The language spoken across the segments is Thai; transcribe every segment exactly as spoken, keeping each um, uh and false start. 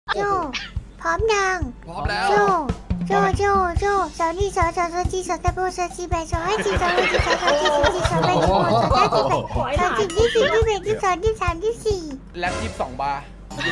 โจพร้อมยังพร้อมแล้วโจโจโจโจสาวนี่สาวสาวสาวจีสาวตะโบสาวจีแบสาวให้จีสาวให้จีสาวสาวจีสาวจีสาวแบสาวสาวจีแบสาวจีที่สี่ที่แบที่สองที่สามที่สี่แล็บยี่สิบสองบาร์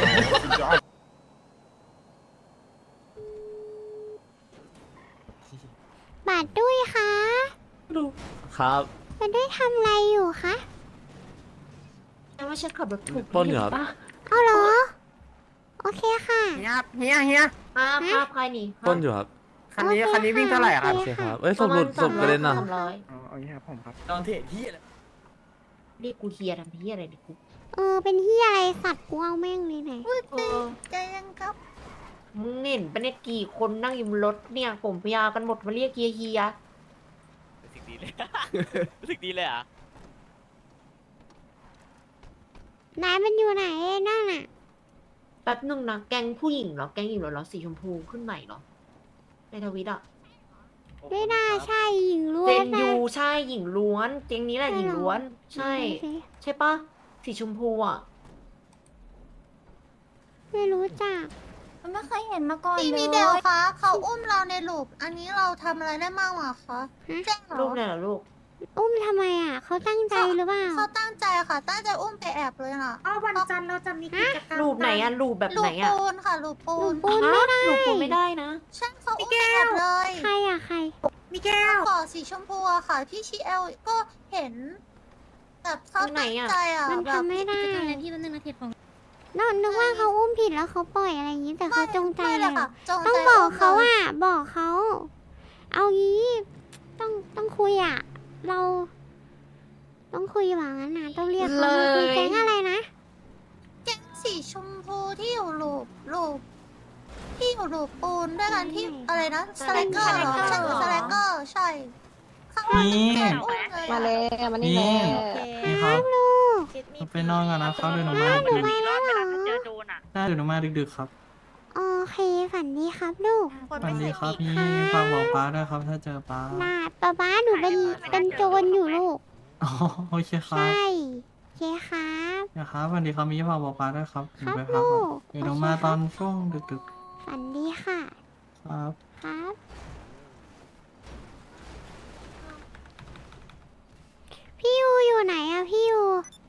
บาดด้วยคะครับบาดด้วยทำอะไรอยู่คะแต่ว่าฉันขับรถถูกปล้นอยู่ครับปะเอาเหรอโอเคค่ะเฮียเฮียเฮียภาพภาพใครนี่ปล้นอยู่ครับคันนี้คันนี้วิ่งเท่าไหร่อะครับโอเคครับ เอ้ยศพหลุดศพกระเด็นอ่ะสามร้อยอ๋อโอเคครับผมครับตอนเทศที่อะไรเรียกกูเฮียทำเฮียอะไรดิกูเออเป็นที่อะไรสัตว์กูเอาแม่งเลยไหนเออใจยังครับมึงเห็นปะเนี่ยกี่คนนั่งอยู่บนรถเนี่ยผมพยากันหมดมาเรียกเฮียเฮียรู้สึกดีเลย รู้สึกดีเลยเหรอ่ะนายมันอยู่ไหนนั่นน่ะแป๊บนึงนะแก๊งผู้หญิงเหรอแก๊งหญิงเหรอเหรอสีชมพูขึ้นใหม่เหรอในทวิตอะไม่น่าใช่หญิงล้วนเจนนะยูใช่หญิงล้วนเจงนี้แหละหญิงล้วน ใช่โอเคใช่ปะสีชมพูอะไม่รู้จักไม่เคยเห็นมาก่อนพี่เลมียเดลคะเขาอุ้มเราในลูปอันนี้เราทำอะไรได้บ้างอะคะแจ้งเหรรูอปเนี่ยเหรอลูกอุ้มทำไมอ่ะเขาตั้งใจหรือเปล่าเขาตั้งใจค่ะ ตั้งใจอุ้มไปแอบเลยน่ะอ้าววันจันทร์เราจะมีกิจกรรมรูปไหนอะรูปแบบลูไหนปอะปูนค่ะลูปปูนปูนไม่ได้รูปปูไม่ได้นะใช่เขาอุ้มไปแอบเลยใครอ่ะใครมิแก้วก่อสีชมพูอะค่ะ พี่ชีเอลก็เห็นแบบเขาตั้งใจอะมันแบบทำไม่ได้กิจกรรมนั้นที่มันหนึ่งนาทีของนกนึกว่าเขาอุ้มผิดแล้วเขาปล่อยอะไรอย่างนี้แต่เขาจงใจไม่เลเลยยเหรค่ะอจงใจต้องบอกเขามลยอ่ะบอกเขาเอางี้ต้องต้องคุยอ่ะ เรา ต้องคุยหวังนั้นนะต้องเรียกเขามาคุยแก๊งอะไรนะแก๊งสีชมพูที่อยู่ลูปลูปที่อยู่ลูปปูนด้วยกันที่อะไรนะสไลเกอร์เหรอใช่สไลเกอร์ใช่เขาว่าจะเป็นอุ้มเลยมาอะเลยมานี่เลยนี่ครับลูกไปนอนก่อนนะครับเดี๋ยวหนูมาหนูดึกไปแล้วเหรอๆได้เดี๋ยวหนูมาดึกๆครับโอเคฝันดีครับลูกสวัสดีครับพี่ฝากบอกป้าด้วยครับถ้าเจอป้าน่าป๊าป๊าหนูเป็นเป็นโจรอยู่ลูกอ๋อโอเคครับใช่โอเคครับนะครับสวัสดีครับมีฝากบอกป้าด้วยครับหนูครับไปพักก่อนลูกเดี๋ยวหนูมาตอนช่วงดึกฝันดีค่ะๆครับครับ พี่ยูอยู่ไหนอะพี่ยู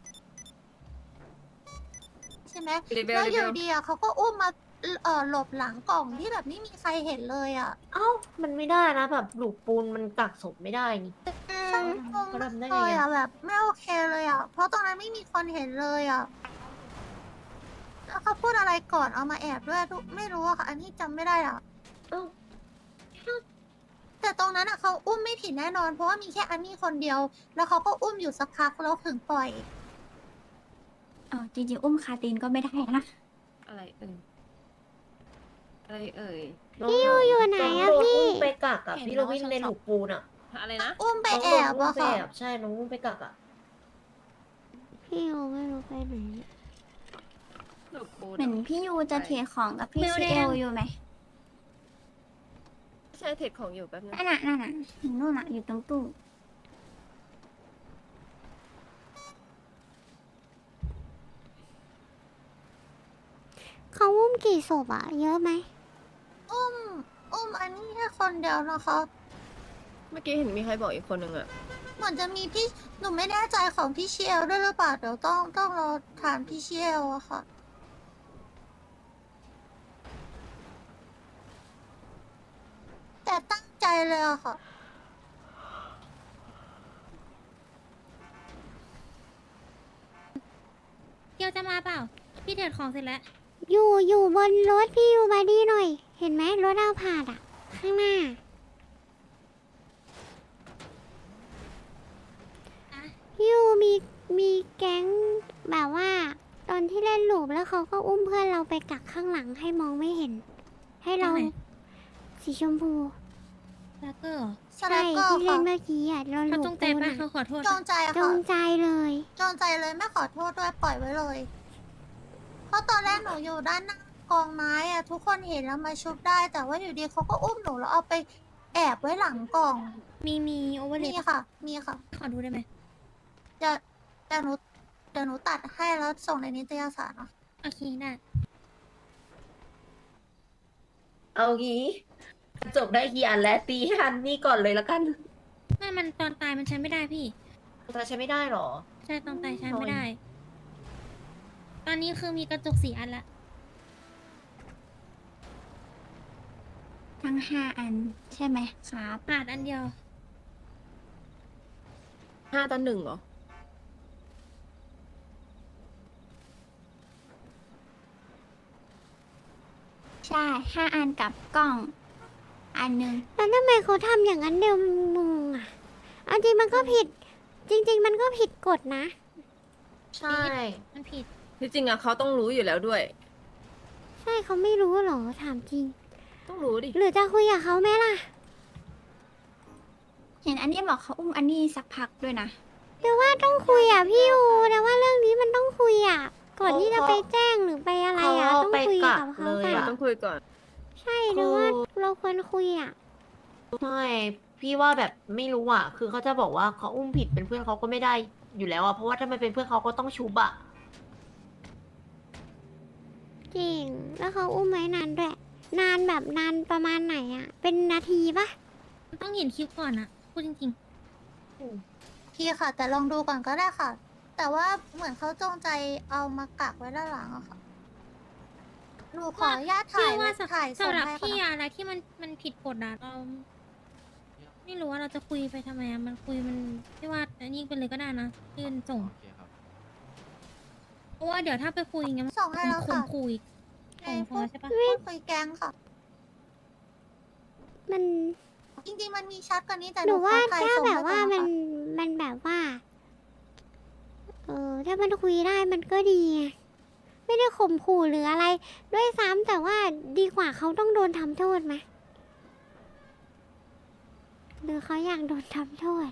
ใช่ไหมแล้วอยู่ดีอะเขาก็อุ้มมาเอ่อหลบหลังกล่องที่แบบไม่มีใครเห็นเลยอะเอ้า มันไม่ได้นะแบบหลูกปูนมันกักศพไม่ได้นี่ฉันงงเขาทำได้เลไงยอะอะแบบไม่โอเคเลยอะเพราะตรงนั้นไม่มีคนเห็นเลยอะแล้วเขาพูดอะไรก่อนเอามาแอบด้วยทุกไม่รู้อะค่ะ อันนี้จำไม่ได้อะเอ้าแต่ตรงนั้นอะเขาอุ้มไม่ผิดแน่นอน เพราะว่ามีแค่อันนี้คนเดียว แล้วเขาก็อุ้มอยู่สักพักแล้วถึงปล่อยอ๋อจริงๆ อุ้มคาตีนก็ไม่ได้นะอะไรเอ่ยอะไรเอ่ยพี่ยูอยู่ไหนอะน้งโดพี่อุ้มไปกักอะเห็นพี่โรน้องบินชอบในหลูกปูนอะอะไรนะอุ้มไปน้องแอโดนบอุ้มอะไปค่ะแอบใช่น้องอุ้มไปกักอะพี่ยูไม่รู้ไปไหนเหมือนพี่ยูจะเทของกับพี่ซีเอลอยู่ไหมใช่เทรดของอยู่แป๊บนึงนั่นน่ะนั่นน่ะเห็นนู่นน่ะอยู่ตรงตู้เขาอุ้มกี่ศพอะเยอะไหมอุ้ม อุ้มอันนี้แค่คนเดียวนะคะเมื่อกี้เห็นมีใครบอกอีกคนนึงอะเหมือนจะมีพี่ หนูไม่แน่ใจของพี่เชียวด้วยหรือเปล่า เดี๋ยวต้องต้องรอถามพี่เชียวอะค่ะ แต่ตั้งใจเลยอะค่ะเกียวจะมาเปล่า พี่เทรดของเสร็จแล้วอยู่อยู่บนรถพี่ยูมาดีหน่อย เห็นไหมรถเอาผ่านอะข้างหน้า พี่ยูมีมีแก๊งแบบว่า ตอนที่เล่นลูปแล้วเขาก็อุ้มเพื่อนเราไปกักข้างหลังให้มองไม่เห็น ให้เราตรงไหนสีชมพูแล้วก็สใช่ไลเกอร์ที่เล่ค่ะนเมื่อกี้อะเราเขาลูจปงใจปูนปะอะเขาขอโทษจงใจจค่ะงใจเลยจงใจเลยไม่ขอโทษด้วยปล่อยไว้เลย เพราะตอนแรกหนูอยู่ด้านหน้ากองไม้อะทุกคนเห็นแล้วมาชุบได้ แต่ว่าอยู่ดีเขาก็อุ้มหนูแล้วเอาไปแอบไว้หลังกล่องมีมีโอเวอร์เลมีย์ค่ะ มีค่ะขอดูได้ไหมจะเดี๋ยวหนูเดี๋ยวหนูตัดให้แล้วส่งในนิตยสารเนาะโอเคได้เอางี้จบได้กี่อันแล้วตีให้อันนี่ก่อนเลยละกันไม่มันตอนตายมันใช้ไม่ได้พี่แต่ใช้ไม่ได้หรอใช่ตอนตายใช้ไม่ได้ ตอนนี้คือมีกระจกสี่อันละทั้งห้าอันใช่ไหมครับขาดอันเดียวห้าต่อหนึ่งเหรอใช่ห้าอันกับกล้อง อันหนึ่งแล้วทำไมเขาทำอย่างนั้นเดียวงงอ่ะเอาจริงมันก็ผิด จริง ๆ มันก็ผิดกฎนะใช่มันผิดที่จริงอะเขาต้องรู้อยู่แล้วด้วยใช่เขาไม่รู้หรอถามจริงต้องรู้ดิหรือจะคุยกับเขาไหมล่ะเห็นอันนี้บอกเขาอุ้มอันนี้สักพักด้วยนะแต่ว่าต้องคุยอ่ะพี่อูแต่ว่าเรื่องนี้มันต้องคุยอ่ะ ก่อนที่จะไปแจ้งหรือไปอะไรอ่ะเขาต้องไปคุยกักักบเขาเลยก่อนอะต้องคุยก่อนใช่หรือว่าเราควรคุยอ่ะใช่พี่ว่าแบบไม่รู้อ่ะ คือเขาจะบอกว่าเขาอุ้มผิดเป็นเพื่อนเขาก็ไม่ได้อยู่แล้วอ่ะ เพราะว่าถ้ามันเป็นเพื่อนเขาก็ต้องชุบอ่ะจริง แล้วเขาอุ้มไว้นานด้วย นานแบบนานประมาณไหนอ่ะ เป็นนาทีปะต้องเห็นคลิปก่อนอ่ะ พูดจริงพี่ค่ะ แต่ลองดูก่อนก็ได้ค่ะ แต่ว่าเหมือนเขาจงใจเอามากักไว้ด้านหลังอะค่ะหนูขออนุญาตๆถ่ายว่าถ่ายสำหรับส่งให้พี่ค่ะอะไรที่มันมันผิดกฎอ่ะเราไม่รู้ว่าเราจะคุยไปทำไมอะมันคุยมันพี่ว่าอันนี้ไปเลยก็ได้นะยื่นส่ง เพราะว่าเดี๋ยวถ้าไปคุยอย่างเงี้ยมันส่งให้แล้วคุค่ะมคุยส่งพอใช่ปะพูดคุยแกงค่ะมันจริงๆมันมีชัดกว่านี้แต่หนูว่าขอถ่ยถ้าส่งแบให้บก่อว่ามันค่ะมันแบบว่า เออถ้ามันคุยได้มันก็ดีไงไม่ได้ข่มขู่หรืออะไร ด้วยซ้ำแต่ว่าดีกว่าเขาต้องโดนทำโทษไหมหรือเขาอยากโดนทำโทษ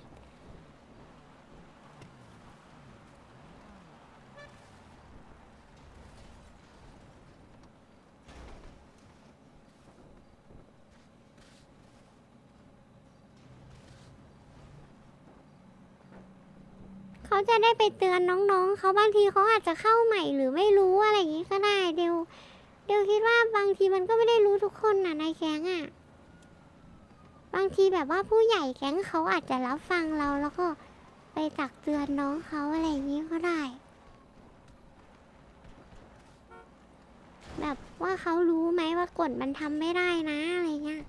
เขาจะได้ไปเตือนน้องๆ เขาบางทีเขาอาจจะเข้าใหม่หรือไม่รู้อะไรอย่างนี้ก็ได้เดี๋ยวเดี๋ยวคิดว่าบางทีมันก็ไม่ได้รู้ทุกคนน่ะในแก๊งอ่ะ บางทีแบบว่าผู้ใหญ่แก๊งเขาอาจจะรับฟังเราแล้วก็ไปตักเตือนน้องเขาอะไรอย่างนี้ก็ได้ แบบว่าเขารู้ไหมว่ากฎมันทำไม่ได้นะอะไรเงี้ย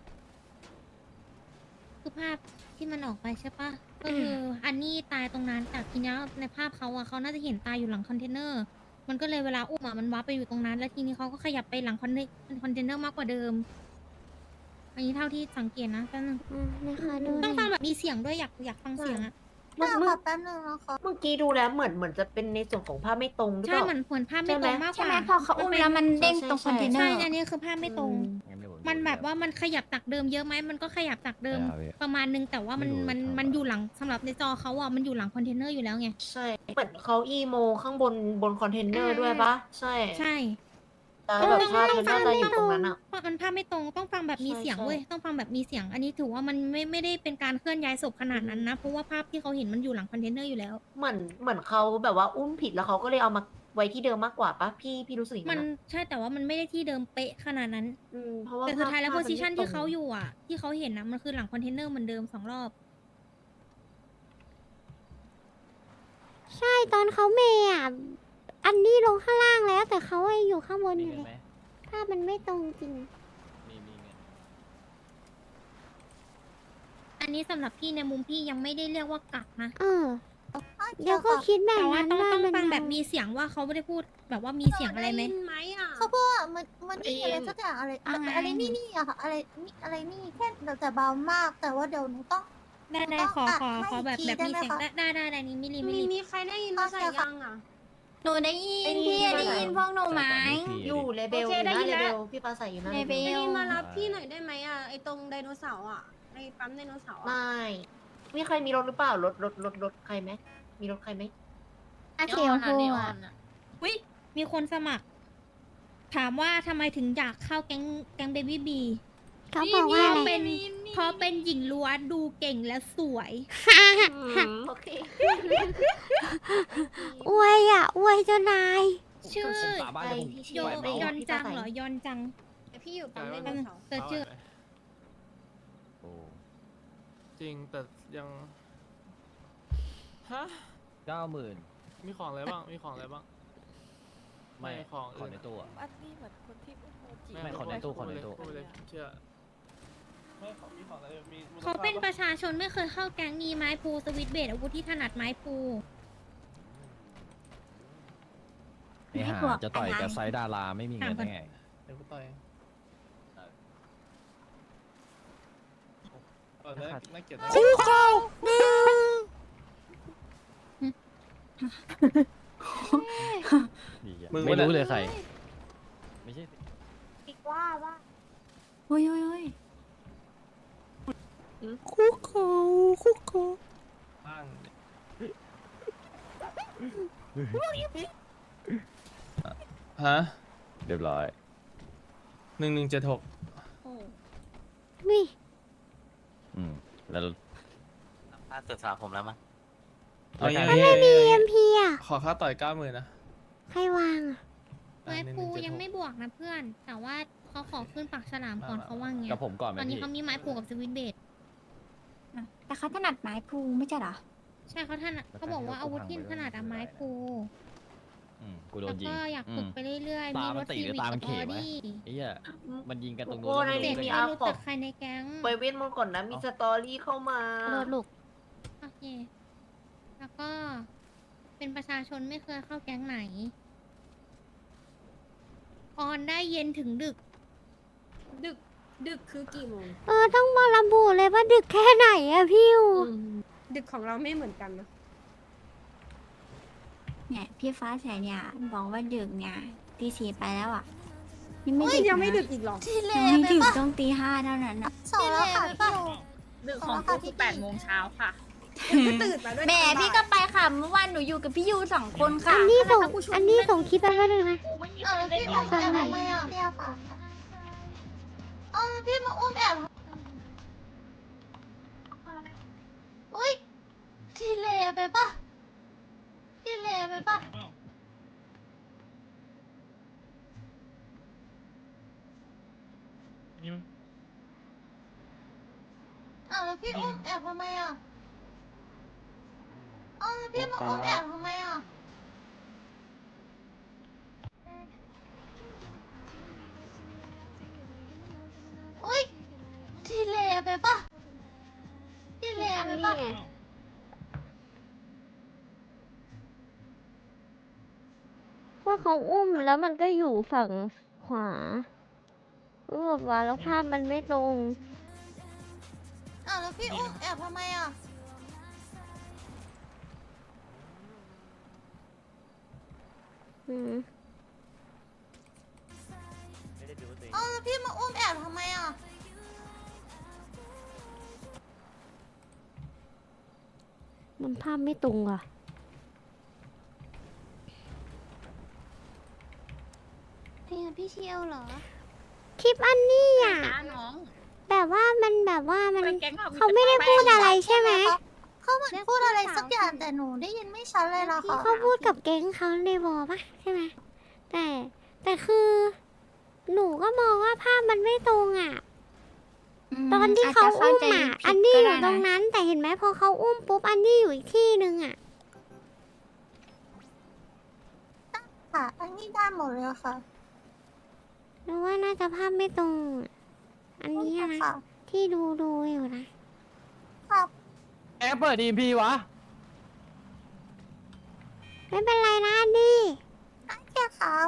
คือภาพที่มันออกไปใช่ปะก็คืออันนี้ตายตรงนั้นแต่ทีนี้ในภาพเขาอะเขาน่าจะเห็นตายอยู่หลังคอนเทนเนอร์ มันก็เลยเวลาอุ้มอะมันว้าไปอยู่ตรงนั้น แล้วทีนี้เขาก็ขยับไปหลังคอนเทคอนเทนเนอร์มากกว่าเดิม อันนี้เท่าที่สังเกตนะแป๊บนึงต้องฟังแบบมีเสียงด้วยอยากอยากฟังเสียงอะเมื่อได้เมื่อค่ะแป๊บนึงนะคะเมื่อกี้ดูแล้วเหมือนเหมือนจะเป็นในส่วนของภาพไม่ตรงหรือใช่เปล่าเหมือนเหมือนภาพไม่ตรงมากกใช่ไหมว่าพอเขาอุ้มแล้วมันเด้งตรงคอนเทนเนอใช่ร์อันนี้คือภาพไม่ตรง มันแบบว่ามันขยับจากเดิมเยอะไหมมันก็ขยับจากเดิมประมาณนึงแต่ว่ามันมันมันอยู่หลังสำหรับในจอเขาอะมันอยู่หลังคอนเทนเนอร์อยู่แล้วไงใช่ เหมือนเขาอีโมข้างบนบนคอนเทนเนอร์ด้วยปะใช่ใช่แต่แบบภาพมันน่าจะอยู่ตรงนั้นอ่ะเพราะมันภาพไม่ตรงต้องฟังแบบมีเสียงใช่เว้ยต้องฟังแบบมีเสียง อันนี้ถือว่ามันไม่ไม่ได้เป็นการเคลื่อนย้ายศพขนาดนั้นนะเพราะว่าภาพที่เขาเห็นมันอยู่หลังคอนเทนเนอร์อยู่แล้วเหมือนเหมือนเขาแบบว่าอุ้มผิดแล้วเขาก็เลยเอามาไว้ที่เดิมมากกว่าปะพี่พี่รู้สึกอย่างมันั้น นอะใช่แต่ว่ามันไม่ได้ที่เดิมเป๊ะขนาดนั้นอืมเพราะว่าแต่สุดท้ายแล้วภโพพมัซิชันไม่ที่ตรงเขาอยู่อ่ะ ที่เขาเห็นนะมันคือหลังคอนเทนเนอร์เหมือนเดิมสองรอบ ใช่ตอนเขาเมย์อ่ะอันนี้ลงข้างล่างแล้ว แต่เขายังอยู่ข้างบนอยู่เลยภาพมันไม่ตรงจริง อันนี้สำหรับพี่ในมุมพี่ยังไม่ได้เรียกว่ากักนะเออ เดี๋ยวก็คิดแบบนั้นแต่ว่าต้องต้องฟังแบบมีเสียงว่าเขาไม่ได้พูดแบบว่ามีเสียงอะไรไหมเขาพูดว่ามันมันนี่อะไรสักอย่างอะไรอ่าไงอะไรนี่นี่อะค่ะอะไรนี่อะไรนี่แค่แต่แต่เบามาก แต่ว่าเดี๋ยวหนูต้องได้ได้ขอขอขอแบบแบบมีเสียงได้ได้ได้ได้นี่มิลลิมิลลิมีใครได้ยินภาษายังอ่ะหนูได้ยินพี่ได้ยินพวกหนูไหมอยู่เลเบลโออเคยู่ได้นะยินเลแล้เบวลพี่ปลาใสอยู่นะเลเบลพี่มารับพี่หน่อยได้ไหมอ่ะไอตรงไดโนเสาร์อ่ะไอปั๊มไดโนเสาร์ไมอ่ะ่มีใครมีรถหรือเปล่ารถรถรถรถใครไหมมีรถใครไหมอาเขียวพูอ่ะวิมีคนสมัคร ถามว่าทำไมถึงอยากเข้าแก๊งแก๊งเบบี้บีเขาบอกว่าเป็นเพราะเป็นหญิงล้วนดูเก่งและสวยโอเคอวยอ่ะอวยเจ้านาย ชื่อฝาบ้านใครเดี๋ยวผมที่โยชื่อยอนจังเหรอยอนจังเอแต่พี่อยู่ปั๊มไดโนเสาร์เจอชื่อโอ้จริงแต่ยังฮะเก้าหมื่นมีของอะไรบ้าง มีของอะไรบ้างไม่ของขอในตู้อะอันนี้เหมือนคนที่อุ้มโมจิไม่ขอในตู้ขอในตู้พูดเลยเชื่อไม่ของมีของอะไรมีมูลค่เขาเป็นปะประชาชนไม่เคยเข้าแก๊งมีไม้พูสวิตช์เบสอาวุธที่ถนัดไม้พูไอ้ห่าจะต่อยกับไซดาราไม่มีเงินได้ไงเดี๋ยวกูต่อยเออน่าน่าเกลียดนะคู่เขาหนึ่งไม่รู้เลยใคร ไม่ใช่อีกว่าว่าโอ้ยโอ้ยโอ้ยคู่เขาคู่เขาบ้างฮะเรียบร้อยหนึ่งหนึ่งเจ็ดหกนี่อืมแล้วถ้าเกิดสาผมแล้วมั้งเอาอย่างมันนี้ไม่มีเอ็มพีอ่ะขอค่าต่อยเก้าหมื่นนะใครวางอะไม้พูยังไม่บวกนะเพื่อน แต่ว่าเขาขอขึ้นปากฉลามก่อนเขาว่างี้กับผมก่อนไหมตอนนี้พี่เขามีไม้พูกับสวิตช์เบสอ่ะแต่เขาถนัดไม้พลูไม่ใช่เหรอใช่เขาถนัดเขาบอกว่าอาวุธที่ถนัดอะไม้พูอืมกูโดแล้วนยิงก็อยากอืฝึกมไปเรื่อยๆตามีมัรนถตีทีหรือวีตามักับนอเขอวะดี้ไอ้เหี้ยมันยิงกันตรงนู้โอ้นในแล้วนี้ไม่มีรู้อาได้ไงฟอกใครในแก๊งไปเว้นมึงก่อนนะ มีสตอรี่เข้ามาโดดลูกโอเคแล้วก็เป็นประชาชนไม่เคยเข้าแก๊งไหน ออนได้เย็นถึงดึกดึกดึกคือกี่โมงเออต้องมาระบุเลยว่าดึกแค่ไหนอะพี่วดึกของเราไม่เหมือนกันนะเนี่ยพี่ฟ้าใสเนี่ยบอกว่าดึกเนี่ยตีสี่ไปแล้วอ่ะยังไม่เฮ้ยดึกยังไม่นะดึกอีกหรอที่เลยังไม่ไปดึกปะต้องตีห้าเท่านั้นอ่ะสองแล้วค่ะพี่โอดึกของกูคือแปดโมงเช้าค่ะตื่นมาด้วยแหมพี่ก็ไปค่ะเมื่อวานหนูอยู่กับพี่ยูสองคนค่ะอันนี้ส่งอันนี้ส่งคลิปไปว่าหนึ่งนะเออพี่อุ้มแอบทำไมอ่ะพี่อาฝาเออพี่มาอุ้มแอบอุ้ยที่เลไปปะที่เลไปปะอ้าวแล้วพี่อุ้มแอบทำไมอ่ะอ้าวแล้วพี่มาอุ้มแอบทำไมอ่ะอุ้ยที่เลไปปะที่เลไปปะว่าเขาอุ้มแล้วมันก็อยู่ฝั่งขวาเออว่าแล้วภาพมันไม่ตรงอ้าวแล้วพี่อุ้มแอบทำไมอ่ะอืมไม่ได้ดูตัวเองอ้าวแล้วพี่มาอุ้มแอบทำไมอ่ะมันภาพไม่ตรงอ่ะพี่พี่เชียวเหรอ คลิปอันนี้อ่ะน้องแบบว่ามันแบบว่ามันเป็นแก๊งเราเขาไม่ได้พูดอะไรใช่ไหมเขาเหมือนพูดอะไรสักอย่างแต่หนูได้ยินไม่ชัดเลยนะคะเขาพูดกับแก๊งเขาในวอลปะใช่ไหมแต่แต่คือ หนูก็มองว่าภาพมันไม่ตรงอ่ะมตอนที่เขาจจะอุ้มใจอ่ะผิดอันนี้อก็ยู่ได้ตรงนั้น แต่เห็นไหมพอเขาอุ้มปุ๊บอันนี้อยู่อีกที่หนึ่งอ่ะค่ะ อันนี้ได้หมดเลยค่ะหนูว่าน่าจะภาพไม่ตรงอะอันนี้อะนะค่ะที่ดูดูอยู่นะครับแอปเปิดดีพีวะไม่เป็นไรนะอันนี้แค่ครับ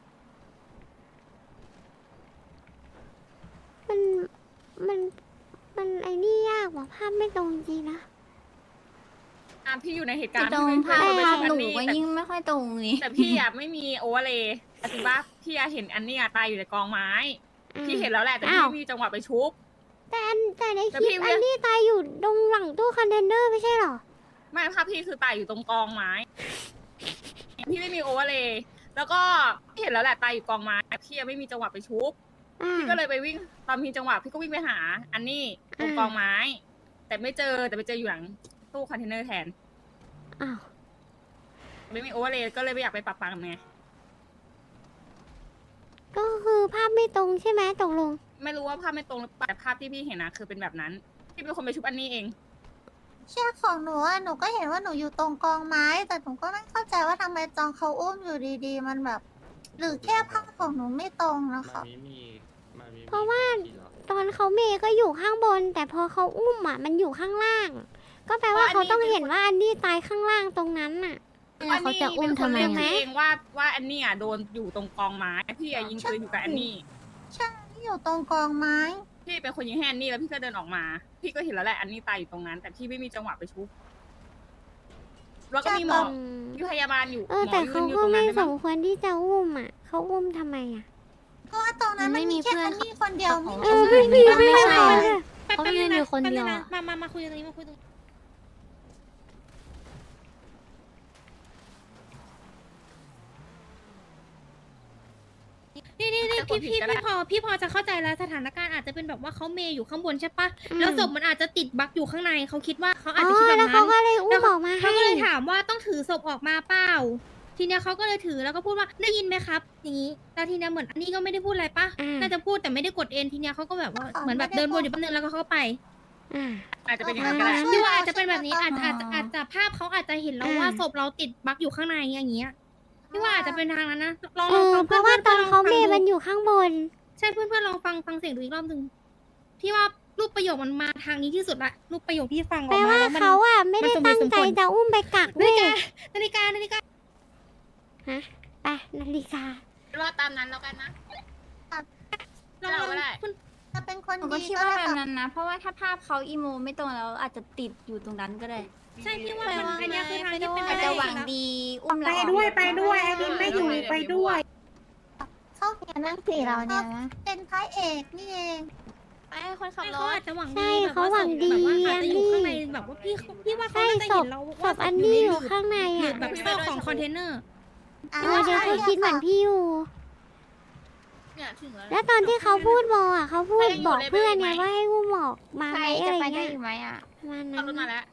มันมันมันไอ้นี่ยากว่ะภาพไม่ตรงจริงนะอ่ะพี่อยู่ในเหตุกาจะรณ์ตรงพี่ภาพไม่ภาพเคยหนูเห็นก็อันนี้ยิ่งไม่ค่อยตรงนี่แต่แต่พี่อ่ะไม่มีโอเวอร์เลยอธิว่าพี่อ่ะเห็นอันนี้อ่ะตายอยู่ในกองไม้ พี่เห็นแล้วแหละแต่พี่อ้าวไม่มีจังหวะไปชุบแต่อันแต่ในคแต่ลิพี่ปเวีอัยนนี้ตายอยู่ตรงหลังตู้คอนเทนเนอร์ไม่ใช่เหรอไม่ภาพพี่คือตายอยู่ตรงกองไม้ พี่ไม่มีโอเวอร์เลยแล้วก็พี่เห็นแล้วแหละตายอยู่กองไม้พี่ยังไม่มีจังหวะไปชุบอ่าพี่ก็เลยไปวิ่งตอนมีจังหวะพี่ก็วิ่งไปหา อันนี้ตรงอ่ากองไม้ แต่ไม่เจอแต่ไปเจออยู่หลังตู้คอนเทนเนอร์แทนอ้าวไม่มีโอเวอร์เลยก็เลยไม่อยากไปปรับปรามไงก็คือภาพไม่ตรงใช่ไหมตกลงไม่รู้ว่าภาพไม่ตรงหรือเปล่าแต่ภาพที่พี่เห็นนะคือเป็นแบบนั้นพี่เป็นคนไปชุบอันนี้เองเชือกของหนูอะหนูก็เห็นว่าหนูอยู่ตรงกองไม้ แต่หนูก็ไม่เข้าใจว่าทำไมจองเขาอุ้มอยู่ดีๆ มันแบบ หรือแค่ภาพของหนูไม่ตรงนะคะเพราะว่าตอนเขาเมย์ก็อยู่ข้างบน แต่พอเขาอุ้มอ่ะมันอยู่ข้างล่าง ก็แปลว่าเขาต้องเห็นว่าอันนี้ตายข้างล่างตรงนั้นน่ะแล้วเขาจะอุ้มทำไมไหมเองว่าว่าอันนี้อ่ะโดนอยู่ตรงกองไม้พี่อะยิงปืนอยู่กับอันนี้ใช่ที่อยู่ตรงกองไม้พี่เป็นคนยิงให้อันนี้แล้วพี่ก็เดินออกมา พี่ก็เห็นแล้วแหละอันนี้ตายอยู่ตรงนั้น แต่พี่ไม่มีจังหวะไปชุบแล้วก็มีหมออืมมีพยาบาลอยู่เออหมแต่อยืเขานอยู่ก็ตรงไม่นั้นได้สปะมควรที่จะอุ้มอ่ะเขาอุ้มทำไมอ่ะเพราะว่าตรงนั้นมันมีแค่อันนี้คนเดียวไม่เอมีอไม่มีไม่ใช่เขายืนอยู่คนเดียวมามามาคุยตรงนี้มาคุยตรงนี้นี่นี่นี่พี่พี่พี่พอพี่พอจะเข้าใจแล้วสถานการณ์อาจจะเป็นแบบว่าเขาเมย์อยู่ข้างบนใช่ปะแล้วศพมันอาจจะติดบั๊กอยู่ข้างในเขาคิดว่าเขาอาจอ๋จะคิดอแบบแล้วนั้เขานก็เลยอุ้แล้มวออกมาเขาให้ก็เลยถามว่าต้องถือศพออกมาเปล่า ทีเนี้ยเขาก็เลยถือแล้วก็พูดว่าได้ยินไหมครับ อย่างนี้แล้วทีเนี้ยเหมือนอันนี้ก็ไม่ได้พูดอะไรปะอ่าน่าจะพูดแต่ไม่ได้กดเอ็นทีเนี้ยเขาก็แบบว่าเหมือนแบบเดินวนอยู่แป๊บนึงแล้วก็เข้าไปอ่าอาจจะเป็นอย่างนั้นก็ได้พี่ว่าอาจจะเป็นแบบนี้อาจจะอาจจะอาจจะภาพเขาอาจจะเห็นแล้วว่าอ่าศพเราติดบั๊กอยู่ข้างในอย่างเงี้ยพี่ว่าอาจจะเป็นทางนั้นนะลองเอลองอฟังเพราะว่าตอนเขาเมย์ฟัมันงดูอยู่ข้างบนใช่เพื่อนเพื่อนลองฟังฟังเสียงดูอีกรอบหนึ่งพี่ว่ารูปประโยคมันมาทางนี้ที่สุดละรูปประโยคที่ฟังอแปอลกมาว่าแล้วมันเขาอ่ะไม่ได้มันสมเหตั้ตุงสมใจผลจะอุ้มไปกักนาเว้ฬิยกานาฬิกานาฬิกาฮะไปนาฬิการอตามนั้นแล้วกันนะลองเราลองก็ได้คุณถ้าเป็นคนหนูก็ดีคิดก็ว่าได้แบบค่ะนั้นนะ เพราะว่าถ้าภาพเขาอีโมไม่ตรงแล้วอาจจะติดอยู่ตรงนั้นก็ได้ใช่พี่ว่ามันอันเนี้ยคือทางที่เป็นไปอาจได้จะหวังแล้วดีอุ้มเราไปออกด้วยไปด้วยไอ้ดินไม่อยู่ไปด้วยเข้าเขียนนั่งสี่เราเนี่ยเป็นพระเอกนี่เองไปคนขับไม่รเขาถอาจจะหวังใช่ดีแบบเขาว่าหวังดีแบบว่าอาจจะอยู่อันนี้ข้างในแบบว่าพี่พี่ว่าเขาใช่น่าจะศเห็พนเราศว่าพอันนี้อยู่ข้างในหรืออ่ะแบบซอกของคอนเทนเนอร์อ่าเออเดี๋ยวเขาคิดเหมือนใช่พี่อยู่เนี่ยถึงแล้วแล้วตอนที่เขาพูดบออ่ะเขาพูดใครอยู่บอกเลเวลเพื่อนไหมไงว่าให้อุ้มออกมาใคไหรมอะจะไรไปได้เงี้ยอยู่ไหมอ่ะประมาณขับรถนั้มาน แล้ว